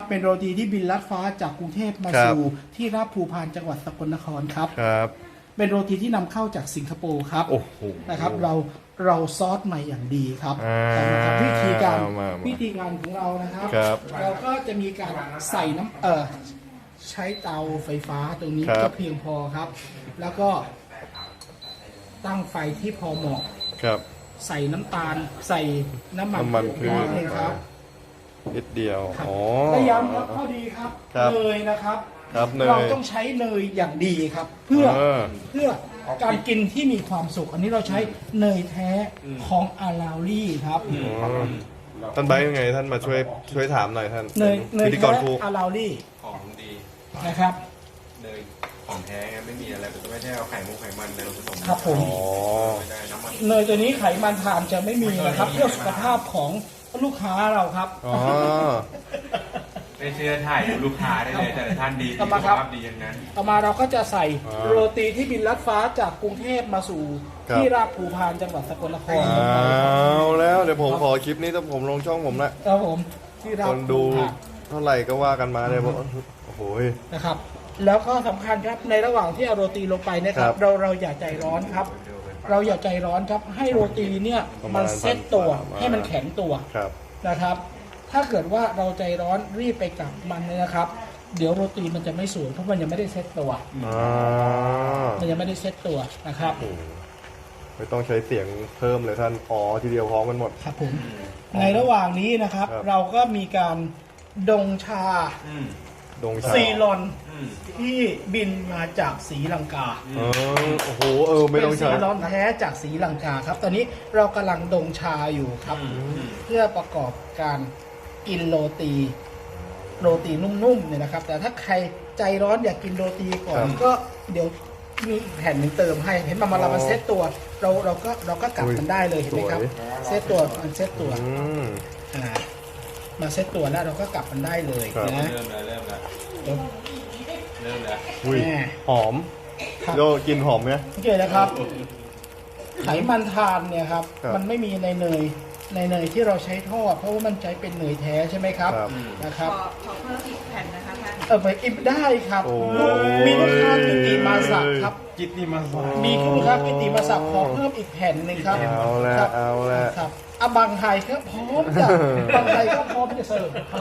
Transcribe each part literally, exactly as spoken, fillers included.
เป็นโรตีที่บินลัดฟ้าจากกรุงเทพมาครับสู่ที่ราบภูพานจังหวัดสกลนครครับครับเป็นโรตีที่นำเข้าจากสิงคโปร์ครับโอ้โหนะครับเราเราซอสใหม่อย่างดีครับอ่านะครับวิธีการมามาวิธีการของเรานะครับครับเราก็จะมีการใส่น้ำเอ่อใช้เตาไฟฟ้าตรงนี้ครับก็เพียงพอครับ แล้วก็ตั้งไฟที่พอเหมาะครับใส่น้ำตาลใส่น้ำมันน้ำมันพืชนิดนึงครับนิดเดียวครับอ๋อและย้ำครับข้อดีครับครับเนยนะครับครับเนยเราต้องใช้เนยอย่างดีครับ เพื่อเออเพื่อการกินที่มีความสุข อันนี้เราใช้เนยแท้ของอาราลี่ครับอ๋อท่านไบร์ทยังไงท่านมาช่วยช่วยถามหน่อยท่านเนยเนยพิธีกแท้รครูอาราลี่ของดีนะครับเนยของแท้ไงไม่มีอะไรไม่ได้เอาไข่มุกไขมันอะไรมาผสมครับผมอ๋อไม่ได้น้ำมันเนยตัวนี้ไขมันทานจะไม่มีนะครับ เพื่อสุขภาพของลูกค้าเราครับอ๋อไม่เชื่อถ่ายดูลูกค้าได้เลยแต่ละท่านดีเอาสุมาขครับภาพดีอย่างนั้นต่อมาเราก็จะใส่อ่าโรตีที่บินลัดฟ้าจากกรุงเทพมาสู่ครับที่ราบภูพานจังหวัดสกลนครเอาแล้วเดี๋ยวผมขอคลิปนี้ถ้าผมลงช่องผมละครับผมที่ราบคภูนดูพานเท่าไหร่ก็ว่ากันมาเลยบอกโอ้โหนะครับ แล้วก็สำคัญครับในระหว่างที่เอาโรตีลงไปเนะครัครับ บเราเราอย่าใจร้อนครับ เราอย่าใจร้อนครับ ให้โรตีเนี่ยประมาณมันเซ็ตตัวประมาณให้มันแข็งตัวครับนะครับ ถ้าเกิดว่าเราใจร้อนรีบไปกลับมันเนี่ยนะครับ เดี๋ยวโรตีมันจะไม่สวยเพราะมันยังไม่ได้เซ็ตตัวอ่ามันยังไม่ได้เซ็ตตัวนะครับโอ้โหไม่ต้องใช้เสียงเพิ่มเลยท่านอ๋อทีเดียวพร้อมกันหมดครับผมในระหว่างนี้นะครับครับเราก็มีการดงชาอืมดงชาซีลอนอืมที่บินมาจากศรีลังกาเออโอ้โหเออไม่ต้องเป็นใช้ซีลอนแท้จากศรีลังกาครับ ตอนนี้เรากำลังดงชาอยู่ครับ เพื่อประกอบการกินโรตีโรตีนุ่มๆเนี่ยนะครับ แต่ถ้าใครใจร้อนอยากกินโรตีก่อนครับก็เดี๋ยวมีแผ่นหนึ่งเติมให้เห็นมันมาเรามาเซตตัว เราเราก็เราก็กลับอุ้ยมันได้เลยเห็นไหมครับสวยเซตตัวมันเซตตัวอืมอ่ามาเซตตัวแล้วเราก็กลับมันได้เลยครับนะเริ่มแล้วเริ่มแล้วเดี๋ยวเริ่มแล้วอุ้ยแม่หอมครับโยกินหอมไหมโอเคนะครับ ไขมันทานเนี่ยครับครับมันไม่มีในเนยในเนยที่เราใช้ทอดเพราะว่ามันใช้เป็นเนยแท้ใช่ไหมครับครับนะครับขอขอเพิ่มอีกแผ่นนะคะท่านเออไปอิบได้ครับโอ้มีลูกค้ากิติมาสักครับกิตติมาสามีลูกค้ากิติมาสักขอเพิ่มอีกแผ่นหนึ่งครับเอาละครับเอาละครับอะบางไทยก็พร้อมจะบางไทยก็พร้อมจะเสิร์ฟครับ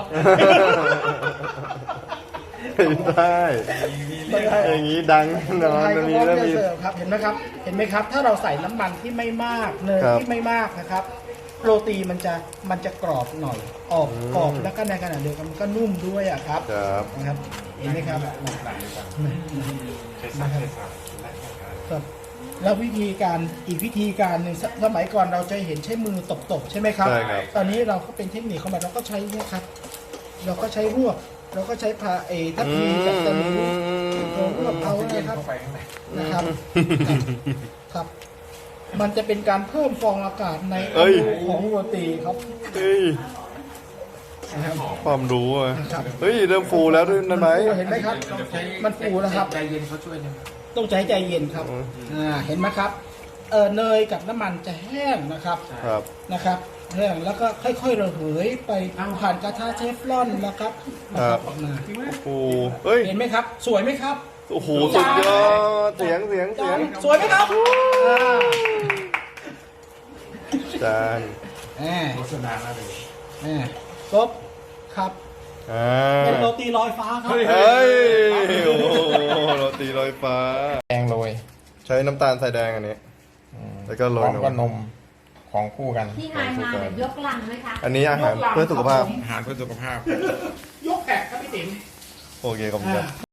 ได้บางไทยอย่างนี้ดังแน่นอนไทยอัก็นพนี้ร้อมแล้วจะมีเสิร์ฟครับเห็นไหมครับ เห็นไหมครับ ถ้าเราใส่น้ำมันที่ไม่มากเนยครับที่ไม่มากนะครับ โรตีมันจะมันจะกรอบหน่อยออกอืมกรอบแล้วก็ในขณะเดียวกันมันก็นุ่มด้วยอะครับครับนะครับ เห็นไหมครับครับ แล้ววิธีการอีกวิธีการหนึ่งสสมัยก่อนเราจะเห็นใช้มือตบๆใช่ไหมครับใช่ครับตอนนี้เราก็เป็นเทคนิคของมันเราก็ใช้เนี่ยครับ เราก็ใช้รวบเราก็ใช้พาเอทัพพีกับตะหลิวเรารวบเอานะครับนะครับ ครับ มันจะเป็นการเพิ่มฟองอากาศในอเอ้ยนูของโรตีครับเฮ้ยนะครับความรู้อ่ะครับเฮ้ยเริ่มฟูแล้วด้วยนั่นไหมเห็นไหมครับ มันฟูแล้วครับใจเย็นเขาช่วยนะต้องใช้ใจเย็นครับอืมอ่าเห็นไหมครับเออเนยกับน้ำมันจะแห้งนะครับครับนะครับแห้งแล้วก็ค่อยๆระเหยไปผ่านกระทะเทฟลอนนะครับนะครับออกมาฟูเฮ้ยเห็นไหมครับ สวยไหมครับโอ้โหสุดยอดเสียงเสียงเสียงสวยไหมครับอ่าจานแหมโฆษณาแล้วเลยแหมครบครับอ่าเป็นโรตีลอยฟ้าครับเฮ้ยโอ้โหโรตีลอยฟ้าแดงโรยใช้น้ำตาลทรายแดงอันนี้ แล้วก็โรพร้ยอมนก็นมมของคู่กันที่นายมาเนี่ยยกลังไหมคะอันนี้อาหารเพื่อสุขภาพอาหารเพื่อสุขภาพยกแขกครับพี่ติ๋มโอเคขอบคุณครับ